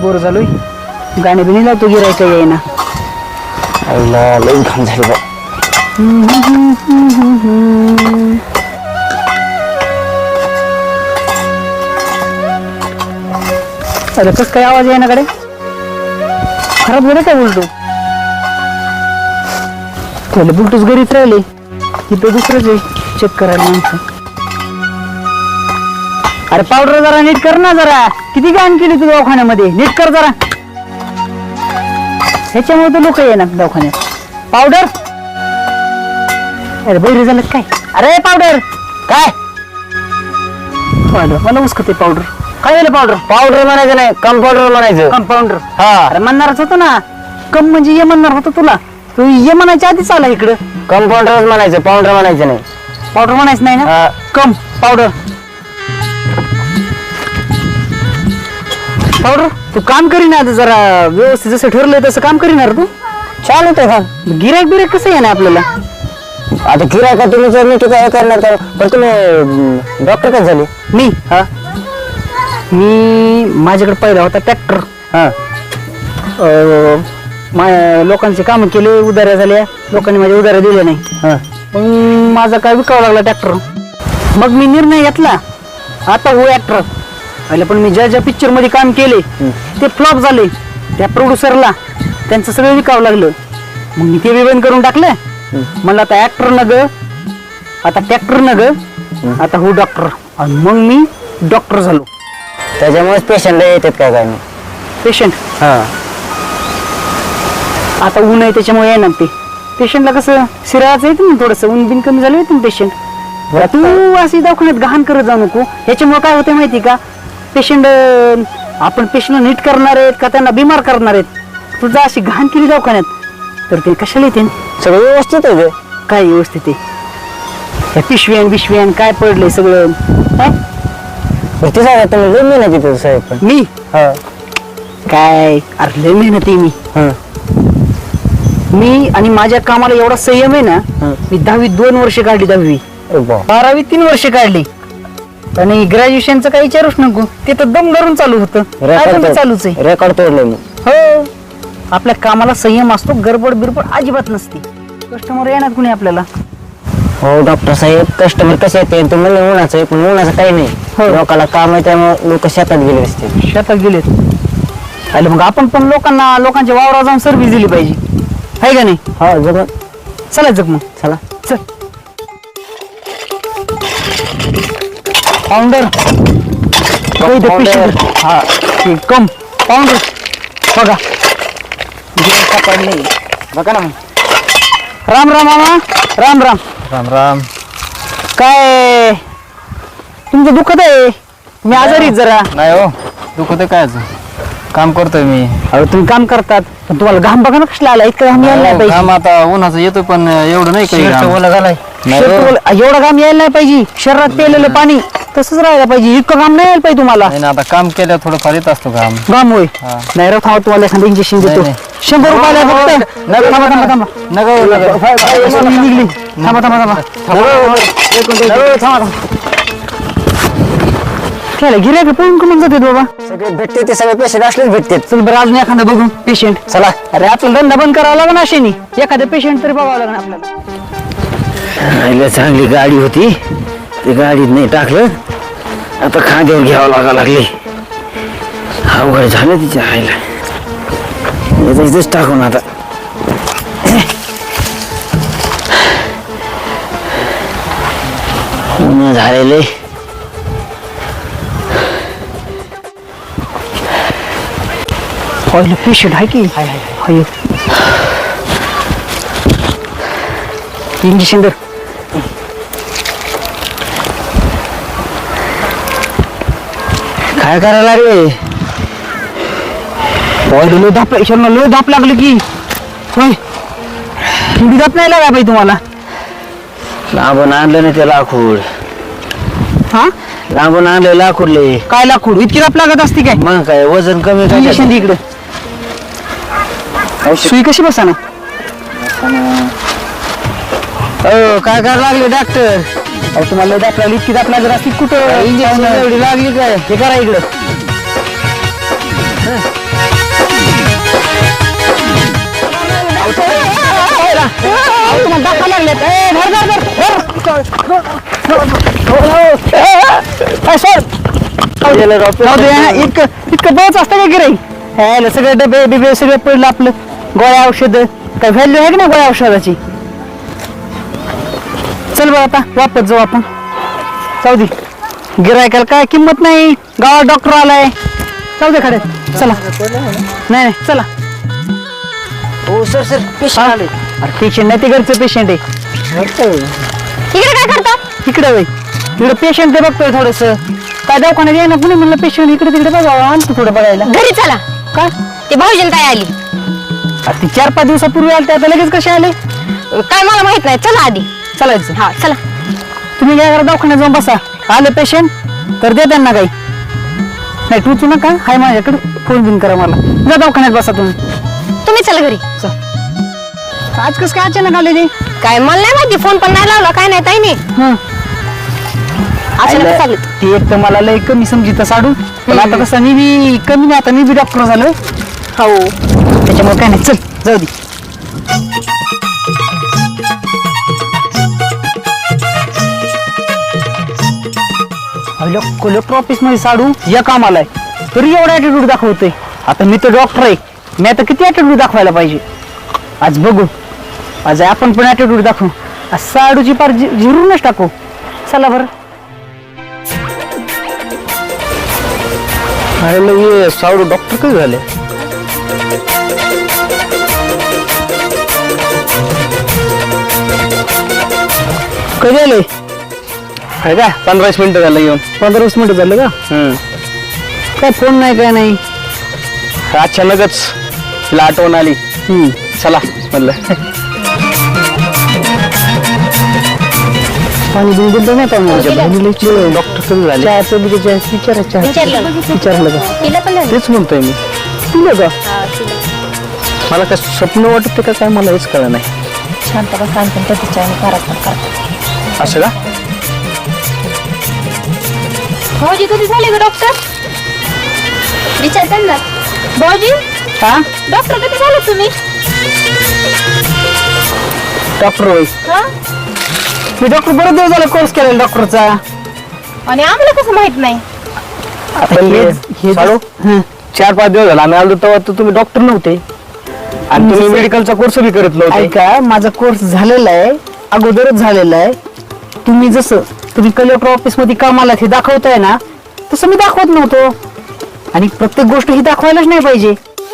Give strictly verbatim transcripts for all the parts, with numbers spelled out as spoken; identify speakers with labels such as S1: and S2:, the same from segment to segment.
S1: Bore झालोय गाणे बिणी लावतो गिरायचं येईना
S2: आईला लई घाम झाली बा
S1: अरे कस काय आवाज आहे ना कडे खराब झालं काय बोलतो त्याला बुलटूच घरीच राहिले तिथे दुसरंच आहे चेक करायला माणसं अरे पावडर जरा नीट कर ना जरा किती घाण केली तू दवाखान्यामध्ये नीट कर जरा ह्याच्यामुळे तर लोक येणार दवाखान्यात पावडर अरे बैरी झालं काय अरे पावडर
S2: काय
S1: पावडर मला उस्कते पावडर काय झालं पावडर
S2: पावडर म्हणायचं नाही कंपाऊंडर म्हणायचं
S1: कंपाऊंडर
S2: हा
S1: अरे म्हणणारच होतं ना कम म्हणजे ये म्हणणार होतं तुला तू ये म्हणायच्या आधीच आला इकडं
S2: कंपाऊंडरच म्हणायचं पावडर म्हणायचं नाही
S1: पावडर म्हणायचं नाही ना
S2: हा.
S1: कम पावडर पावडर तू काम करीना आता जरा व्यवस्थित जसं ठरलंय तसं काम करीणार तू
S2: छान होतंय का
S1: गिरायक बिरायक कसं आहे ना आपल्याला
S2: आता गिरायका तुम्ही जर नीट काय करणार तर पण तुम्ही डॉक्टर काय झाले
S1: मी
S2: हा
S1: मी माझ्याकडे पहिला होता ट्रॅक्टर
S2: हा
S1: लोकांचे काम केले उधाऱ्या झाल्या लोकांनी माझ्या उधाऱ्या दिल्या नाही
S2: हा
S1: मग माझा काय विकावा लागला ट्रॅक्टर मग मी निर्णय घेतला आता हो ऍक्टर पहिले पण मी ज्या ज्या पिक्चर मध्ये काम केले ते फ्लॉप झाले त्या प्रोड्युसरला त्यांचं सगळं विकावं लागलं मग मी ते बंद करून टाकलं म्हणलं आता ऍक्टर न ग आता ट्रॅक्टर न ग आता हो डॉक्टर आणि मग मी डॉक्टर झालो
S2: त्याच्यामुळेच पेशंट येतात काय काय नाही
S1: पेशंट
S2: हा
S1: आता ऊन आहे त्याच्यामुळे येणार ते पेशंटला कसं सिराचं येतं ना थोडंसं ऊन बिन कमी झालं येतं ना पेशंट तू अशी दवाखान्यात घाण करत जाऊ नको ह्याच्यामुळे काय होतं माहिती का पेशंट आपण पेशंट नीट करणार आहेत का त्यांना बिमार करणार आहेत तुझा अशी घाण केली दवाखान्यात तर ते कशाला येते
S2: सगळं व्यवस्थित आहे
S1: काय व्यवस्थित आहे त्या पिशव्यान बिशव्यान काय पडलंय सगळं काय
S2: ते सांगा तुम्ही लई मेहनत येते साहेब पण
S1: मी
S2: हा
S1: काय अरे लय मेहनत आहे मी
S2: हा
S1: मी आणि माझ्या कामाला एवढा संयम आहे ना मी दहावी दोन वर्ष काढली दहावी बारावी तीन वर्ष काढली आणि ग्रॅज्युएशनचं काही विचारूच नको ते तर दम धरून चालू होतं काय पण चालूच आहे
S2: रेकॉर्ड तोडले मी
S1: हो आपल्या कामाला संयम असतो गडबड बिरबड अजिबात नसते कस्टमर येणार कुणी आपल्याला
S2: हो डॉक्टर साहेब कस्टमर कसे येते तुम्हाला उन्हाचं आहे पण उन्हाचं काही
S1: हो.
S2: नाही लोकांना काम आहे त्यामुळे लोक शेतात गेले असते
S1: शेतात गेलेत आले मग आपण पण लोकांना लोकांच्या वावरात जाऊन सर्व्हिस दिली पाहिजे आहे का नाही
S2: हा जग
S1: चला जग मग
S2: चला
S1: चल पाऊंडर हा कम पाऊंडर बघा पडले
S2: बघा ना
S1: राम राम मामा राम राम
S2: राम राम
S1: काय तुमचं दुखत आहे मी आजारी जरा
S3: नाही हो दुखत काय काम करतोय मी
S1: अरे तुम्ही काम करतात पण तुम्हाला घाम बघा ना कसला आला इतका घाम यायला नाही
S3: काम
S1: पाहिजे
S3: आता उन्हाचं येतोय पण एवढं नाही काही घाम. नाही
S1: शर्ट
S3: हो.
S1: ओलं- एवढा घाम यायला नाही पाहिजे शरीरात पेलेलं पाणी तसंच राहायला पाहिजे इतकं घाम नाही यायला पाहिजे तुम्हाला
S3: नाही ना, आता काम केल्या थोडंफार येत असतो काम
S1: घाम होय
S3: हा.
S1: नाही राव थांबा तुम्हाला एखादं इंजेक्शन देतो
S3: नाही,
S1: शंभर रुपयाला फक्त
S3: नका,
S1: थांबा थांबा थांबा
S3: नका हो, नका.
S1: मी निघली थांबा थांबा थांबा थांबा थांबा खेळा गिऱ्हाईक पळून कमून जाते बाबा
S2: सगळे भेटते ते सगळे पेशंट असलेच भेटते
S1: चल बरं अजून एखादा बघू पेशंट चला अरे आपल्याला धंदा बंद करावा लागेल अशाने एखादं पेशंट तरी बघावं लागेल आपल्याला
S2: चांगली गाडी होती ती गाडीत नाही टाकलं आता खांद्यावर घ्यावं लागा लागले अवघड झालं तिच्या आईला इथेच टाकून आता ऊन झालेले
S1: पहिलं पेशंट आहे की हाय इंजेक्शन दर
S2: काय करायला रे
S1: पहिलं लो धाप ईश्वरनं लो धाप लागली की होय थंडी धाप नाही लागा पाहिजे तुम्हाला
S2: लांबून आणलं ना ते लाकूड
S1: हा
S2: लांबून आणलं लाकूडले
S1: काय लाकूड इतकी धाप लागत असते काय
S2: मग काय वजन कमी
S1: इंजेक्शन दे इकडे सुई कशी बसा ना
S2: काय करायला लागले डॉक्टर
S1: अहो तुम्हाला लय धाप लागली इतकी धाप लागत असते कुठं
S2: इंजेक्शन एवढी लागली काय
S1: हे करा इकडं ए, सोड.
S2: गेलं राव,
S1: जाऊ दे, हा, इतकं इतकं बळच असतं का गिराई ह्याला सगळे डबे बिबे सगळं पडलं आपलं गोळ्या औषध काय व्हॅल्यू आहे की नाही गोळ्या औषधाची चल बघ आता वापस जाऊ आपण जाऊ दे गिरायकाला काय किंमत नाही गावात डॉक्टर आलाय जाऊ दे खडे चला नाही नाही चला
S2: हो सर सर पेशंट आले.
S1: अरे पेशंट नाही ते घरचं पेशंट आहे
S4: इकडे काय करता
S1: इकडे वय इकडे पेशंट ते बघतोय थोडस काय दवाखान्यात येईना कुणी म्हणलं पेशंट इकडे तिकडे बघावं आणतो थोडं बघायला
S4: घरी चला
S1: का
S4: ते भाऊजील काय आली
S1: अरे ती चार पाच दिवसापूर्वी आले ते आता लगेच कसे आले
S4: काय मला माहित नाही चला आधी
S1: चालायचं
S4: हा चला
S1: तुम्ही काय करा दवाखान्यात जाऊन बसा आले पेशंट तर दे त्यांना काही नाही टूचू नका हाय माझ्याकडे फोन बिन करा मला जा दवाखान्यात बसा तुम्ही
S4: तुम्ही चला घरी
S1: आज कसं काय अचानक आले ते
S4: काय मला नाही माहिती फोन पण नाही लावला काय नाही ताई नाही
S1: हं.
S4: अचानक चालू
S1: ती एक तर मला लय कमी समजित साडू पण आता कसं मी बी कमी नाही आता मी बी डॉक्टर झालो
S4: हो
S1: त्याच्यामुळे काय नाही चल जाऊ दे कलेक्टर ऑफिस मध्ये साडू या कामाला आहे तरी एवढा ऍटिट्यूड दाखवतोय आता मी तर डॉक्टर आहे मी आता किती ऍटिट्यूड दाखवायला पाहिजे आज बघू आज आपण पण ऍटिट्यूड दाखवू आज साडूची पार झि- झिरूनच टाकू चला बरं
S2: अरे सावडू डॉक्टर कधी झाले
S1: कधी आले
S2: आहे का पंधरा वीस मिनिटं झालं येऊन.
S1: पंधरा वीस मिनिटं झालं का
S2: हम्म.
S1: काय फोन नाही काय नाही
S2: अचानकच तिला आठवण आली
S1: हम्म.
S2: चला म्हणलं
S1: पाणी बिन दिलं नाही पाहुणे
S2: डॉक्टर कधी झाले
S1: चहाचं बी त्याच्या विचारायचं
S4: विचारलं.
S1: विचारलं का
S4: तिला पण झालं.
S2: तेच म्हणतोय मी
S1: तुला का
S4: हा, तिला.
S2: मला काय स्वप्न वाटत का काय मला हेच कळलं नाही
S4: शांत बस सांगते प्रतिच्या आणि करत पण करत
S2: असं का
S4: भाऊजी कधी झाले ग डॉक्टर विचार त्यांना भाऊजी
S1: हा
S4: डॉक्टर कधी झाले तुम्ही
S1: डॉक्टर होय
S4: हा
S1: मी डॉक्टर बरं दिवस झाला कोर्स केलेला डॉक्टरचा
S4: आणि आम्हाला कसं माहित नाही
S2: पण
S1: हे- हे
S2: साडू
S1: हं.
S2: चार पाच दिवस झाला आम्ही आलो तेव्हा तर तुम्ही डॉक्टर नव्हते आणि तुम्ही मेडिकलचा कोर्स बी करत नव्हते
S1: ऐका माझा कोर्स झालेला आहे अगोदरच झालेला आहे तुम्ही जसं तुम्ही कलेक्टर ऑफिस मध्ये कामाला हे दाखवताय ना तसं मी दाखवत नव्हतो आणि प्रत्येक गोष्ट ही दाखवायलाच नाही पाहिजे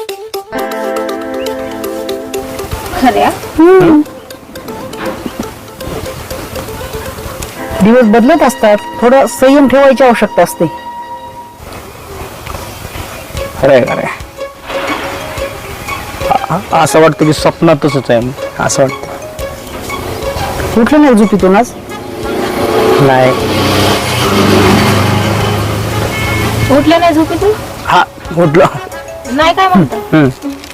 S4: खऱ्या
S1: हम्म. दिवस बदलत असतात थोडं संयम ठेवायची आवश्यकता असते
S2: अरे अरे असं वाटतं की स्वप्नात तसंच आहे असं वाटतं
S1: उठलं नाही झोपीतून आज
S2: नाही
S4: उठलं नाही झोपेतून
S2: हा उठलो
S4: नाही काय म्हणतो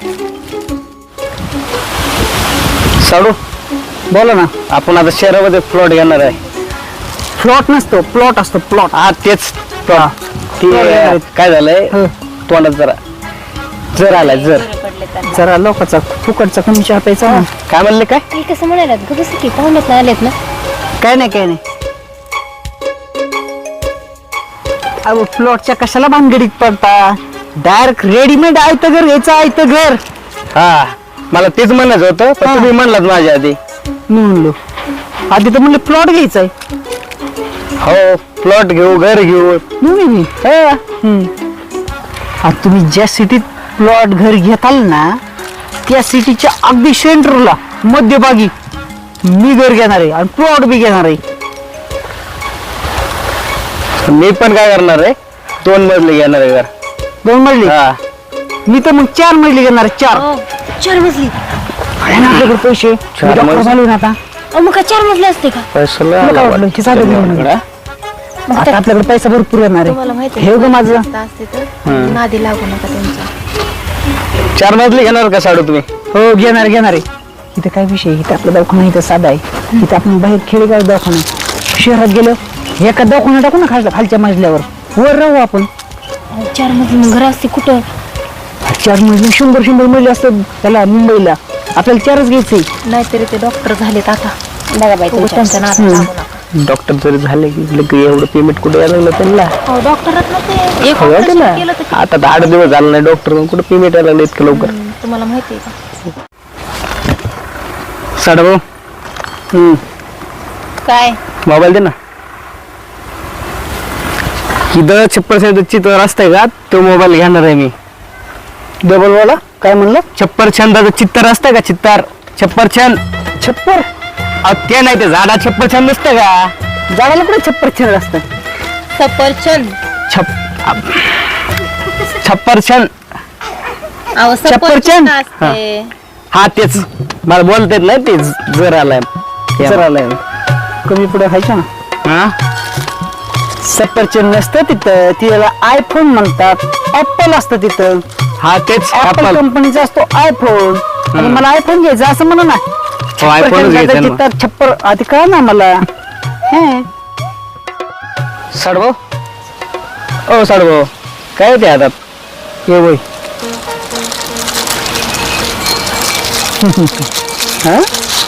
S2: साडू
S1: बोला ना
S2: आपण आता शहरामध्ये प्लॉट घेणार आहे
S1: प्लॉट नसतो प्लॉट असतो प्लॉट
S2: हा तेच plot. ते काय झालंय
S1: हं.
S2: तोंडात जरा जर आलाय जर
S1: जरा लोकांचा फुकटचा कमी चहा प्यायचा ना.
S2: काय म्हणले काय
S4: काही कसं म्हणायला बस की पाहुण्यात नाही आलेत ना
S1: काय नाही काय नाही अहो प्लॉटच्या कशाला भानगडीत पडता डायरेक्ट रेडीमेड आयतं घर घ्यायचं आयतं घर
S2: हा मला तेच म्हणायचं होतं पण
S1: हा.
S2: तुम्ही म्हणलात माझ्या आधी
S1: मी म्हणलो आधी तर म्हणलं प्लॉट घ्यायचाय
S2: हो प्लॉट घेऊ घर घेऊ
S1: मी मी हा. हम्म. आता तुम्ही ज्या सिटीत प्लॉट घर घेताल ना त्या सिटीच्या अगदी सेंटरला मध्यभागी मी घर घेणार आहे आणि प्लॉट बी घेणार आहे
S2: मी पण काय करणार आहे दोन मजले घेणार आहे घर
S1: दोन मजली
S2: हा
S1: मी तर मग चार मजली घेणार आहे चार
S4: हो, चार मजली
S1: आहे ना आपल्याकडे पैसे
S2: चार
S1: डॉक्टर
S2: मजली?
S1: झाले ना आता
S4: अहो, मग काय चार मजले असते का
S2: पैशाला
S1: तुला काय वाटलं? हे साधं घर म्हणून. आता आपल्याकडे पैसा भरपूर येणार
S4: तुम्हाला
S1: आहे
S4: माहिती
S1: हे ग माझं
S4: असते तर नादी लागू नका त्यांचा
S2: चार मजली घेणार का साडू तुम्ही
S1: हो घेणार घेणार आहे इथं काय विषय आहे? इथं आपला दवाखाना इथं साधा आहे इथं आपण बाहेर खेडेगाव दवाखाना आहे. शहरात गेलो एका दवाखाना टाकू ना खालच्या खालच्या मजल्यावर वर राहू आपण
S4: अहो, चार मजली मग घर असते कुठं
S1: चार मजले शंभर शंभर मजले असतात त्याला मुंबईला आपल्याला चारच घ्यायचंय
S4: नाहीतरी ते डॉक्टर झालेत आता बघा बाई तुम्ही त्यांच्या नादात
S1: हम्म.
S4: लागू नका
S2: डॉक्टर जरी झाले की लगे एवढं पेमेंट कुठे यायला लागलं त्यांना
S4: हो डॉक्टरच ना ते एक
S2: हो
S4: operation
S2: ना
S4: केलं तर
S2: आता तर आठ दिवस झाला नाही डॉक्टर कुठे पेमेंट यायला लागलं इतकं लवकर
S4: हम्म, तुम्हाला माहिती आहे का
S2: साडा भाऊ हम्म
S4: काय
S2: मोबाईल दे ना इथं छप्पर छंदाची तो रस्ता आहे का तो मोबाईल घेणार आहे मी डबल वाला काय म्हणलं छप्पर छंदाचा चित्तर असतं का चित्तर छप्पर छंद छप्पर ते नाही ते झाडा छप्पर छंद नसतं का झाडाला कुठे छप्पर छंद असतं
S4: सफरचंद
S2: छप छप्पर छंद
S4: अहो
S2: सफरचंद?
S4: सफरचंद असते
S2: हा तेच मला बोलता येत नाही ते जर आलाय जर आलाय कमी पुढे व्हायचं ना हा सफरचंद नसतं तिथं तिला आयफोन म्हणतात ऍपल असतं तिथं हा तेच ऍपल कंपनीचा असतो आयफोन आणि मला आयफोन घ्यायचा असं म्हणा ना
S3: iPhone च घ्यायचा ना.
S2: चित्तर छप्पर आधी कळ ना मला साडभाऊ ओ साडभाऊ काय ते आता ये वय हा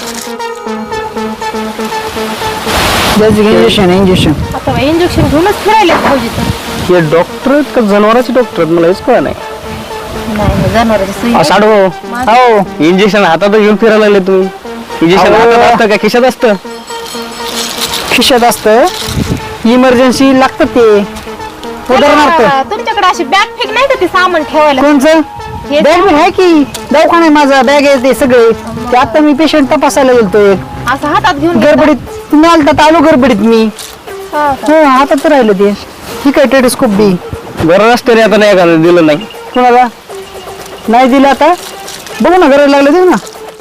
S2: इंजेक्शन इंजेक्शन
S4: आता इंजेक्शन घेऊनच फिरायला भाऊजीचं
S2: हे डॉक्टर का जनावरांचे डॉक्टर मला हेच कळ नाही
S4: नाही जनावरांची सुई
S2: साडभाऊ हो इंजेक्शन हातात घेऊन फिरायला लागले तुम्ही इंजेक्शन हातात असतं का खिशात असतं खिशात असतं इमर्जन्सी लागतं ते उदाहरणार्थ
S4: त्याला तुमच्याकडे अशी बॅग फेक नाही का ते सामान ठेवायला
S2: कोणचं
S4: हे
S2: बॅग आहे की दवाखाना आहे माझा बॅग आहे ते सगळे ते आता मी पेशंट तपासायला गेलतो एक
S4: असं हातात घेऊन
S2: गडबडीत तुम्ही आलता आलो गडबडीत मी
S4: हा.
S2: हो हातात राहिलं ते ठीक आहे टेलिस्कोप बी बरं असतं रे आता नाही का दिलं नाही कोणाला नाही दिलं आता बघू ना गरज लागलं देऊ ना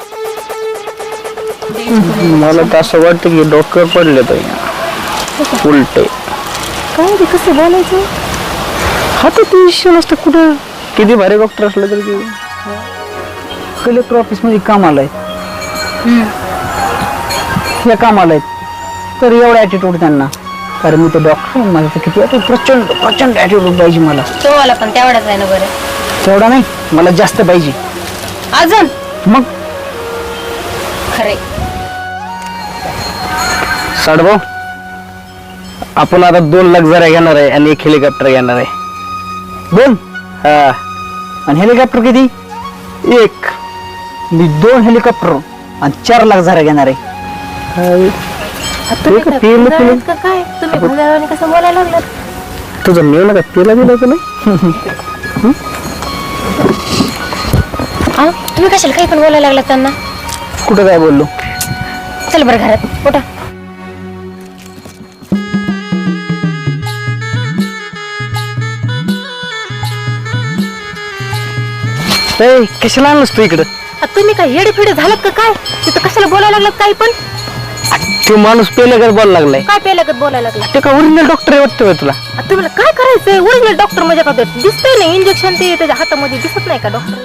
S2: मला तर असं वाटतं की डॉक्टर पडले तर उलटे
S4: काय ते कसं बोलायचं
S2: हातात विषय नसतं कुठं किती भारी डॉक्टर असलं तरी कलेक्टर ऑफिस मध्ये काम आलंय हे काम आलंय तर एवढा ऍटिट्यूड त्यांना कारण मी ते डॉक्टर माझं तर किती attitude, प्रचंड प्रचंड ऍटिट्यूड पाहिजे मला
S4: तो मला पण तेवढाच आहे ना बरं
S2: तेवढा नाही मला जास्त पाहिजे
S4: अजून
S2: मग
S4: खरे
S2: साडभाऊ आपण आता दोन लाख जरा घेणार आहे आणि एक हेलिकॉप्टर घेणार आहे दोन हा आणि हेलिकॉप्टर किती एक मी दोन हेलिकॉप्टर आणि चार लाख जरा घेणार आहे
S4: तुम्ही
S2: का
S4: काय
S2: पेरलं
S4: भुंजाळ
S2: तुला?
S4: आहेत का काय तुम्ही भुंजाळाने कसं बोलायला लागलात
S2: तुझं मेव नका तिला दिलं होतं नाही
S4: हा तुम्ही कशाला काही पण बोलायला लागलात त्यांना
S2: कुठं काय बोललो
S4: चल बरं घरात उठा
S2: ए, कशाला आणलंस तू इकडं
S4: आ, तुम्ही काय येडे फिडे झालात का काय तिथं कशाला बोलायला लागलात काही पण
S2: तो माणूस पेले का बोलायला लागलाय
S4: काय पेलागत बोलायला लागला
S2: ते का ओरिजिनल डॉक्टर आहे वाटतं तुला
S4: आ, तुम्हाला काय करायचंय ओरिजिनल डॉक्टर म्हणजे का ते दिसतंय ना इंजेक्शन ते त्याच्या हातामध्ये दिसत नाही का डॉक्टर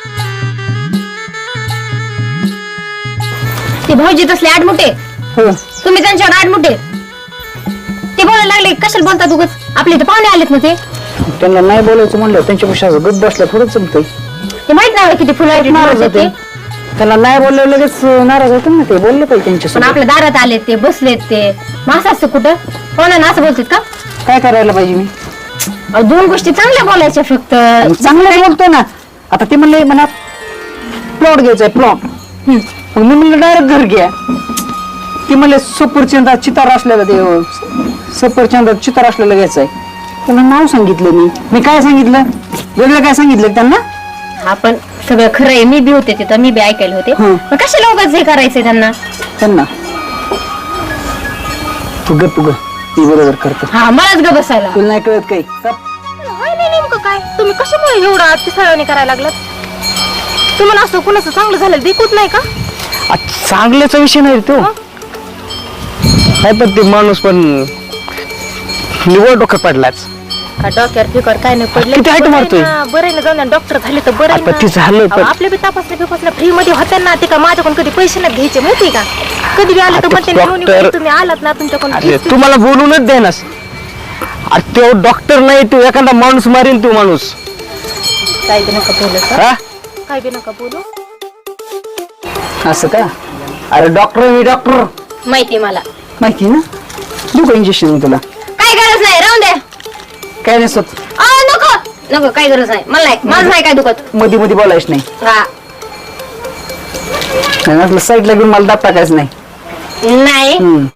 S4: ते भाऊजी तसले आडमुठे
S2: हो
S4: तुम्ही त्यांच्यावर आडमुठे ते बोलायला लागले कशाला बोलतात उगाच आपले इथे पाहुणे आलेत ना ते
S2: त्यांना नाही बोलायचं म्हणलं त्यांच्यापेक्षा गप बसला थोडं जमतंय
S4: ते माहित नाही किती फुलं
S2: नाराज होते त्याला नाही बोललं लगेच नाराज होते ना ते बोलले पाहिजे
S4: पण
S2: त्यांच्यासोबत
S4: आपल्या दारात आलेत ते बसलेत ते मास असतं कुठं कोणाला असं बोलतात का
S2: काय करायला पाहिजे मी
S4: अहो, दोन गोष्टी चांगल्या बोलायच्या फक्त
S2: चांगलं बोलतोय ना आता ते म्हणले म्हणा प्लॉट घ्यायचाय प्लॉट मग मी म्हणलं डायरेक्ट घर घ्या ती म्हणले सफरचंदा चितार असलेला ते सफरचंदा चितार असलेला घ्यायचाय त्यांना नाव सांगितलं मी मी काय सांगितलं वेगळं काय सांगितलं त्यांना
S4: आपण सगळं खरं आहे मी बी होते तिथं मी बी ऐकायला होते
S2: हं.
S4: मग कशाला उगाच हे करायचंय त्यांना
S2: त्यांना तू ग तू ग ती बरोबर करतो
S4: हा मलाच ग बसायला
S2: तुला नाही कळत काही
S4: होय नाही नेमकं काय तुम्ही कशामुळे एवढं अतिसाळाने करायला लागलात तुम्हाला असं कुणाचं चांगलं झालं देखूच नाही का
S2: आ, चांगल्याचा विषय नाही रे तो नाही पण ते माणूस पण निवड डोकं पडलाच
S4: का डॉक्टर फिकर काय नाही पडले
S2: किती height मारतोय?
S4: बरं आहे ना जाऊन डॉक्टर झाले तर बरं आहे
S2: आता
S4: ना.
S2: ते झालं पण-
S4: अहो, आपल्या बी तपासण्या बिपासण्या फ्री मध्ये होत्या ना ते का माझ्याकडून कधी पैसे नाही घ्यायचे माहिती का कधी बी आलं तर
S2: आता
S4: म्हणते ना, "नोनी
S2: doctor-
S4: बाई, तुम्ही आलात ना तुमच्याकडून
S2: अरे
S4: fees-
S2: तू मला बोलूनच देनास अरे तो डॉक्टर नाही तू एखादा माणूस मारीन तू माणूस
S4: काय बी नका बोलू सर.
S2: हा
S4: काय बी नका बोलू
S2: असं का अरे डॉक्टर मी डॉक्टर
S4: माहिती मला
S2: माहिती ना देऊ का इंजेक्शन तुला?
S4: काय गरज नाही, राहून द्या.
S2: काय नसत,
S4: अहो, नको नको, काय गरज नाही मला नाही, माझं नाही काय दुखत.
S2: मध्ये मध्ये बोलायच नाही.
S4: हा
S2: आणि म्हटलं साईडला घेऊन मला दाब टाकायचं नाही.
S4: नाही.
S2: हम्म.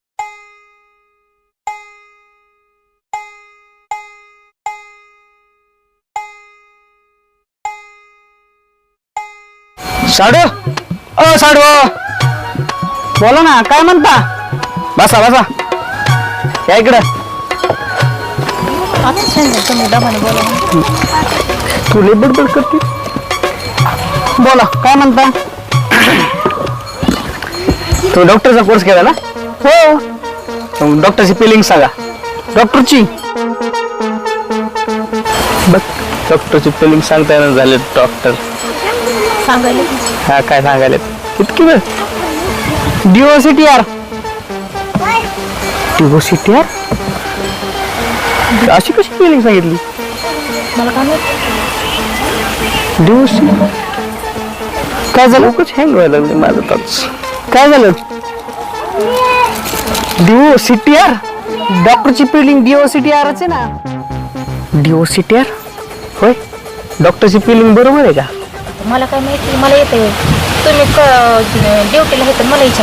S3: साडू अ साडू
S2: बोला ना, काय म्हणता?
S3: बसा बसा या इकडं.
S2: तू लय बडबड करते. बोला, काय म्हणता?
S3: तू डॉक्टरचा कोर्स केला ना?
S2: हो.
S3: डॉक्टरची फिलिंग सांगा.
S2: डॉक्टरची
S3: बघ डॉक्टरची फिलिंग सांगता येणार झाले डॉक्टर.
S4: सांगायला
S3: हा काय सांगायला इतकी वेळ.
S2: डिओसिटी आर. डिओसिटी आर
S3: अशी कशी फिलिंग सांगितली?
S4: मला काय माहित.
S2: डिओसी काय झालं?
S3: कुछ हँग व्हायला लागले माझं टच.
S2: काय झालं? डिओसिटी आर. डॉक्टरची फिलिंग डिओसिटी आरच आहे ना. डिओसिटी आर
S3: होय डॉक्टरची फिलिंग बरोबर आहे का?
S4: मला काय माहिती, मला येते. तुम्ही ड्युटीला आहे तर मला विचार.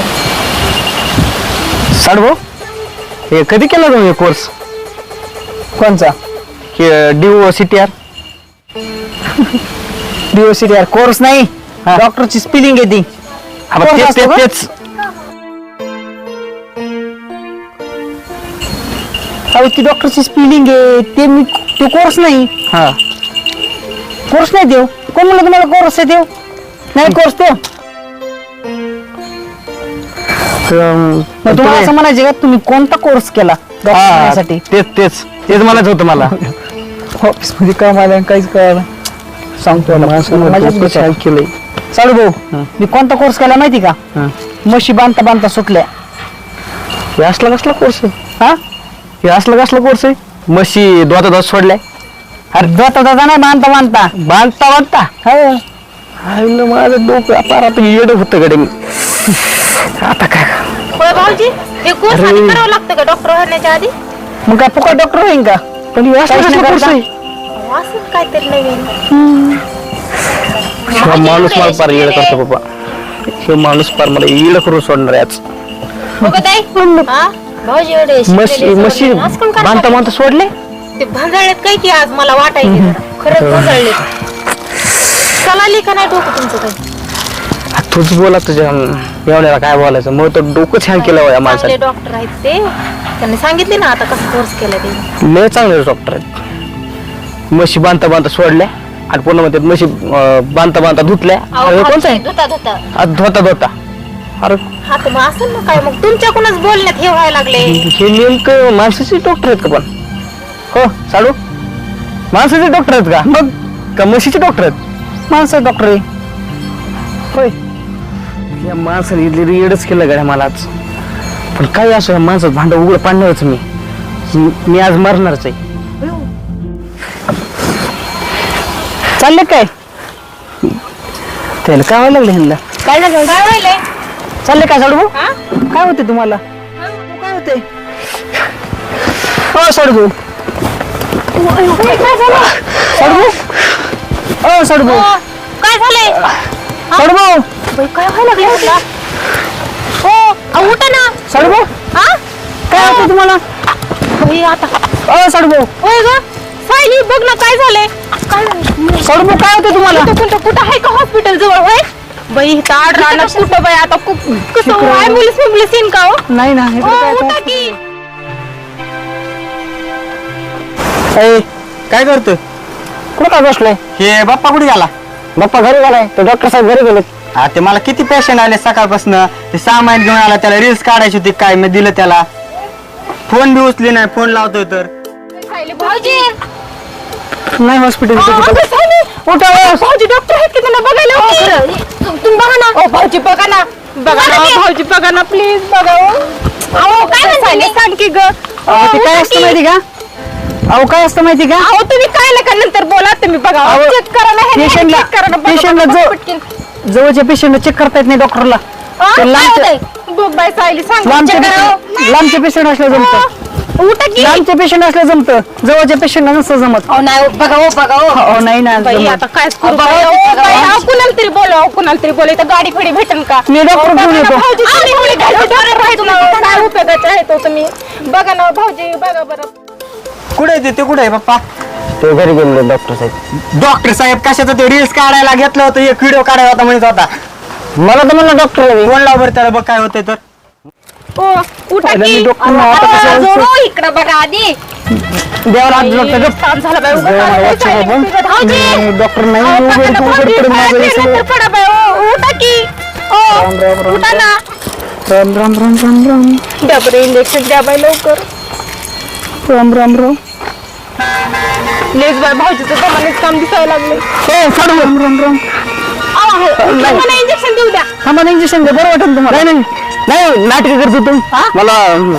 S3: साडू हे कधी केला तुम्ही कोर्स?
S2: कोणचा?
S3: डिओ सिटी आर.
S2: डिओसिटी आर कोर्स नाही, डॉक्टरची स्पेलिंग आहे ती. कोर्स
S3: तेच
S2: असतो
S3: तेच
S2: का?
S3: तेच
S2: अहो ती डॉक्टरची स्पेलिंग आहे ते, मी तो कोर्स नाही.
S3: हा
S2: कोर्स नाही देऊ. कोण म्हणलं तुम्हाला कोर्स आहे देऊ? नाही कोर्स देऊ. मग तुम्हाला असं म्हणायचे का तुम्ही कोणता कोर्स केला डॉक्टरसाठी?
S3: तेच तेच तेच म्हणायचं होतं मला.
S2: ऑफिस मध्ये काम आलं काहीच कळलं. सांगतो माझ्या केलंय. चालू भाऊ, मी कोणता कोर्स केला माहिती का? म्हशी बांधता बांधता सुटल्या.
S3: हे असला कसला कोर्स आहे?
S2: हा,
S3: हे असला कसला कोर्स आहे? म्हशी दोता दोत सोडलाय.
S2: अरे जाता जाता नाही बांधता बांधता
S3: बांधता बांधता
S2: हो.
S3: माझं डोकं पार आता येड होतं कडे. आता काय
S4: होय भाऊजी, हे कोर्स आधी करावं लागतं का डॉक्टर होण्याच्या आधी?
S2: मग काय फुकट डॉक्टर होईन का?
S3: पण हे असला कसला कोर्स आहे?
S4: अहो, असंच काहीतरी नवीन.
S3: हा माणूस मला पार येड करतो बाबा. हे माणूस पार मला येड करून सोडणार आहे आज.
S4: हो का ताई? हा? भाऊजी एवढे
S3: म्हशी
S4: शिकलेले
S3: म्हशी
S4: सोडले. असं कोण करणार?
S3: बांधता बांधता सोडले.
S4: ते भांजळलेत काय की आज मला वाटायचे जरा. खरंच भांजळलेत. चलाली का नाही डोकं तुमचं काही?
S3: तूच बोला तुझ्या एवढ्याला काय बोलायचं. मग तर डोकं छान केलं या
S4: चांगले
S3: माणसाने.
S4: डॉक्टर आहेत ते, त्यांनी सांगितले ना आता कसं कोर्स केला ते.
S3: लय चांगले डॉक्टर आहेत. म्हशी बांधता बांधता सोडल्या आणि पुन्हा म्हणतात म्हशी अं, बांधता बांधता धुतल्या.
S4: अहो,
S3: अरे कोणता
S4: भाऊजी,
S3: आहे?
S4: धुता धुता.
S3: आज धोता धोता. अरे
S4: हा तर मग असं ना काय, मग तुमच्याकडूनच बोलण्यात हे व्हायला लागले.
S3: हे नेमकं माणसाचे डॉक्टर आहेत का पण? हो साडू माणसाचे डॉक्टर आहेत का? मग का म्हशीचे डॉक्टर आहेत?
S2: माणसं डॉक्टर आहे होय.
S3: या माणसाने इथली येडच केलं गाड्या मला आज. पण काही असो या माणसात भांडं उघड पाडणारच मी. मी आज मरणारच आहे.
S2: चालले काय? त्याला काय व्हायला लागलं ह्यांना?
S4: काय झालं? काय व्हायलंय?
S2: चालले काय साडू भाऊ?
S4: हा?
S2: काय होते तुम्हाला? काय होते? हो साडू भाऊ.
S4: काय झालं?
S2: साडू भाऊ. हो साडू भाऊ.
S4: अहो, काय झालंय?
S2: साडू भाऊ.
S4: बाई, काय व्हायला लागलं म्हटलं? हो, अहो, उठा ना.
S2: साडू भाऊ.
S4: हा?
S2: काय होते तुम्हाला?
S4: बाई, आता
S2: हो साडू भाऊ.
S4: होय ग सायली, बघ ना काय झालंय. काय झालं?
S2: साडू भाऊ काय होते तुम्हाला?
S4: कुठं कुठं कुठं आहे का हॉस्पिटल जवळ? होय बाई, इथं आड राहणार कुठं बाई? आता खूप कसं ऍम्ब्युलन्स ऍम्ब्युलन्स येईन का? हो
S2: नाही ना इकडे
S4: हो,
S2: काय
S4: उठा
S2: होतं?
S4: की.
S3: ए, काय करतोय?
S2: कुठं काय बसलोय?
S3: हे बाप्पा कुठे गेला?
S2: बाप्पा घरी गेलाय. तो डॉक्टर साहेब घरी गेले.
S3: हा ते मला किती पेशंट आले सकाळपासून. ते सामान घेऊन आला, त्याला रील्स काढायची होती काय मी दिलं त्याला. फोन बी उचली नाही. फोन लावतोय तर
S4: सायली, भाऊजी
S2: नाही हॉस्पिटल.
S4: अहो, अगं, सायली, उठा. अहो, भाऊजी डॉक्टर आहेत की त्यांना बघायला होते. तुम- तुम्ही बघा ना. ओ भाऊजी बघा ना, बघा ना भाऊजी, बघा ना प्लीज, बघा. अहो काय म्हणताय? सांग की ग.
S2: अहो, ते काय असतं माहिती का? अहो काय असतं माहिती का?
S4: अहो तुम्ही काय नका नंतर बोला. तुम्ही बघा,
S2: अहो,
S4: चेक करा ना. हे
S2: पेशंटला-
S4: check करा ना. बघा,
S2: पेशंटला
S4: बघा,
S2: जो-
S4: पटकन.
S2: जवळच्या पेशंटला चेक करता येत नाही डॉक्टरला.
S4: हा,
S2: ते
S4: काय
S2: लांबच्या-
S4: होतंय? बघ बाय सायली सांग
S1: लांबचे
S4: check करा.
S1: पेशंट लांबचे पेशंट असल्या जमतं
S4: उठा की
S1: लांबचे पेशंट असल्या जमतं जवळच्या पेशंटला नसतं जमत
S4: अहो नाही बघा हो बघा हो
S1: हो नाही ना
S4: बाई
S1: जमत.
S4: आता काय करू बाई? अहो, बाई, अहो, कुणाला तरी बोलव अहो, कुणाला तरी बोलव इथं गाडी फिडी भेटेल का
S1: मी डॉक्टर
S4: बघा
S1: घेऊन
S4: ना,
S1: येतो
S4: भाऊजी, तुम्ही एवढे घालून डॉक्टर राहायचो ना, काय उपयोगाचे आहे तो तुम्ही बघा ना भाऊजी बघा बरं
S2: कुठे आहे ते? ते कुठे आहे पप्पा?
S3: ते घरी गेलो डॉक्टर साहेब.
S2: डॉक्टर साहेब कशाचं ते रील्स काढायला घेतलं होतं एक व्हिडिओ काढायला होता म्हणत होता.
S3: मला तर म्हणलं डॉक्टर
S2: फोन लाव बरं त्याला बघ काय होतंय तर.
S4: ओ उठा
S1: पहिलं
S4: की
S1: मी डॉक्टरना आता कसं
S4: अहो,
S1: व्हायचं?
S4: जोडो, इकडं बघा आधी
S1: देवाला हात जोडतो गं.
S4: ताण झाला बाई, उगाच
S1: जय
S4: ताण
S1: महाराज
S4: झाला.
S1: बाबा.
S4: भाऊजी
S1: मी डॉक्टर नाही
S4: अहो,
S1: उघड
S4: पकडा,
S1: उघड
S4: भाऊजी,
S1: पडेल
S4: पाय
S1: माझं हे
S4: फिरलं
S1: सगळं.
S4: तर पडा बाई, ओ, उठा की ओ,
S1: राम राम राम
S4: उठा ना
S1: राम राम राम राम राम
S4: द्या बरं इंजेक्शन द्या बाई लवकर
S1: राम राम राम
S4: लेज बाय भाऊजीचं दमानेच काम दिसायला लागले
S1: हो साडू राम राम राम
S4: मला इंजेक्शन देऊ द्या
S1: थांबा ना इंजेक्शन दे बरं वाटेल तुम्हाला
S3: नाही नाही नाटक करतो तू मला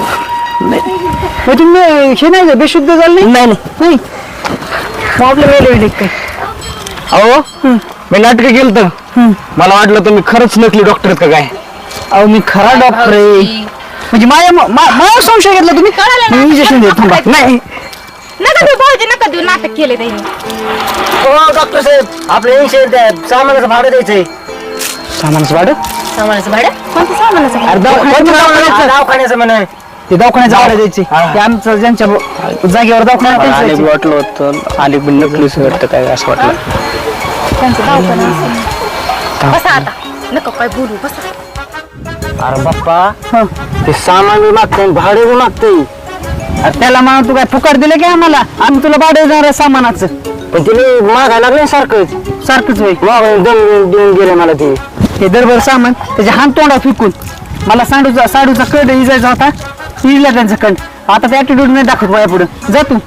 S1: मग तुम्ही हे नाही का बेशुद्ध झालं नाही
S3: नाही
S1: नाही मग आपलं वेळ वेळ काय
S3: अहो मी नाटक केलं तर मला वाटलं तुम्ही खरंच नकली डॉक्टर का काय.
S1: अहो मी खरा डॉक्टर आहे म्हणजे माझ्या मा- मा- माझ्या संशय घेतला तुम्ही
S4: कळालं ना?
S1: इंजेक्शन दे थांबा नाही
S4: नका देऊ भाऊजी नका देऊ नाटक केले त्यांनी
S3: हो डॉक्टर साहेब आपल्या ऐंशी सामानाचं भाडं द्यायचंय.
S1: सामानाचं भाडं
S4: सामानाचं भाडं कोणतं सामानाचं
S1: अरे दवाखान्याचं
S3: दवाखान्याचं म्हणे
S1: ते दवाखान्याचं भाडं द्यायचे
S3: हा.
S1: ते आमचं ज्यांच्या जागेवर दवाखान्यात त्यांचं
S3: आले
S1: द्यायचे.
S3: वाटलं होतं आले पण नकलीच वाटतं काय असं वाटलं.
S4: त्यांचं दवाखाना असेल. बसा आता नका काय बोलू बसा
S3: अरे बाप्पा
S1: हं.
S3: ते सामान बी मागते भाडे बी मागते
S1: अरे त्याला म्हणा तू काय फुकट दिलं की आम्हाला आम्ही तुला भाडं देणार आहे सामानाचं
S3: पण तिने मागायला लागले सारखंच
S1: सारखंच होईल
S3: माग दम देऊन गेले मला ते.
S1: हे दरबर सामान त्याच्या हात तोंडा फिकून मला साडूचा साडूचा कंड इजायचा होता इजला त्यांचा कंड आता त्या ऍटिट्यूड नाही दाखवत माझ्या पुढे जा तू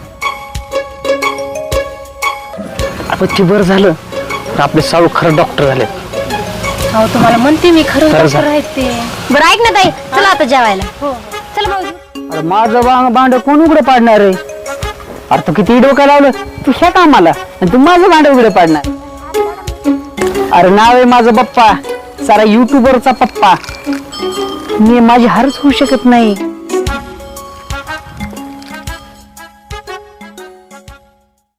S3: आपण ते बरं झालं तर आपले साळू खरं डॉक्टर झाले.
S4: हो तुम्हाला म्हणते मी खरं
S3: खरं
S4: डॉक्टर आहेत ते बरं ऐक ना ताई चला आता जेवायला हो चला भाऊजी
S1: अरे माझं बांग भांड कोण उघडं पाडणार आहे अरे तू किती डोकं लावलं तू ह्या कामाला आणि तू माझं भांड उघडं पाडणार अरे नाव आहे माझं पप्पा सारा युट्यूबरचा पप्पा मी माझी हारच होऊ शकत नाही